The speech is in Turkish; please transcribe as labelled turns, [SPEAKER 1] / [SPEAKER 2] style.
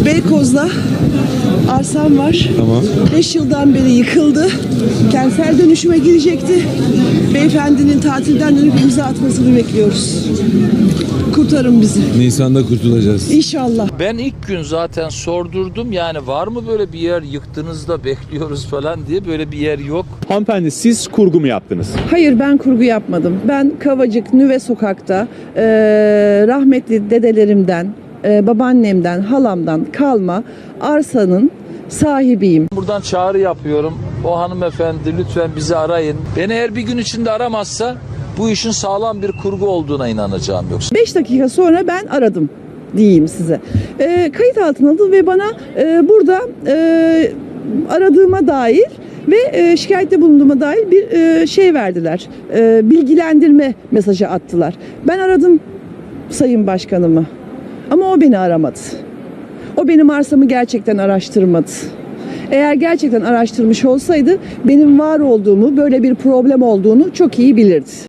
[SPEAKER 1] Beykoz'da arsam var.
[SPEAKER 2] Tamam.
[SPEAKER 1] 5 yıldan beri yıkıldı. Kentsel dönüşüme girecekti. Beyefendinin tatilden dönüp imza atmasını bekliyoruz. Kurtarın bizi.
[SPEAKER 2] Nisan'da kurtulacağız.
[SPEAKER 1] İnşallah.
[SPEAKER 3] Ben ilk gün zaten sordurdum, yani var mı böyle bir yer, yıktığınızda bekliyoruz falan diye. Böyle bir yer yok.
[SPEAKER 4] Hanımefendi, siz kurgu mu yaptınız?
[SPEAKER 1] Hayır, ben kurgu yapmadım. Ben Kavacık Nüve Sokak'ta rahmetli dedelerimden, babaannemden, halamdan kalma arsanın sahibiyim.
[SPEAKER 3] Buradan çağrı yapıyorum. O hanımefendi lütfen bizi arayın. Beni eğer bir gün içinde aramazsa bu işin sağlam bir kurgu olduğuna inanacağım yoksa.
[SPEAKER 1] 5 dakika sonra ben aradım diyeyim size. Kayıt altına aldı ve bana burada aradığıma dair ve şikayette bulunduğuma dair bir şey verdiler. Bilgilendirme mesajı attılar. Ben aradım Sayın Başkanımı ama o beni aramadı. O benim arsamı gerçekten araştırmadı. Eğer gerçekten araştırmış olsaydı benim var olduğumu, böyle bir problem olduğunu çok iyi bilirdi.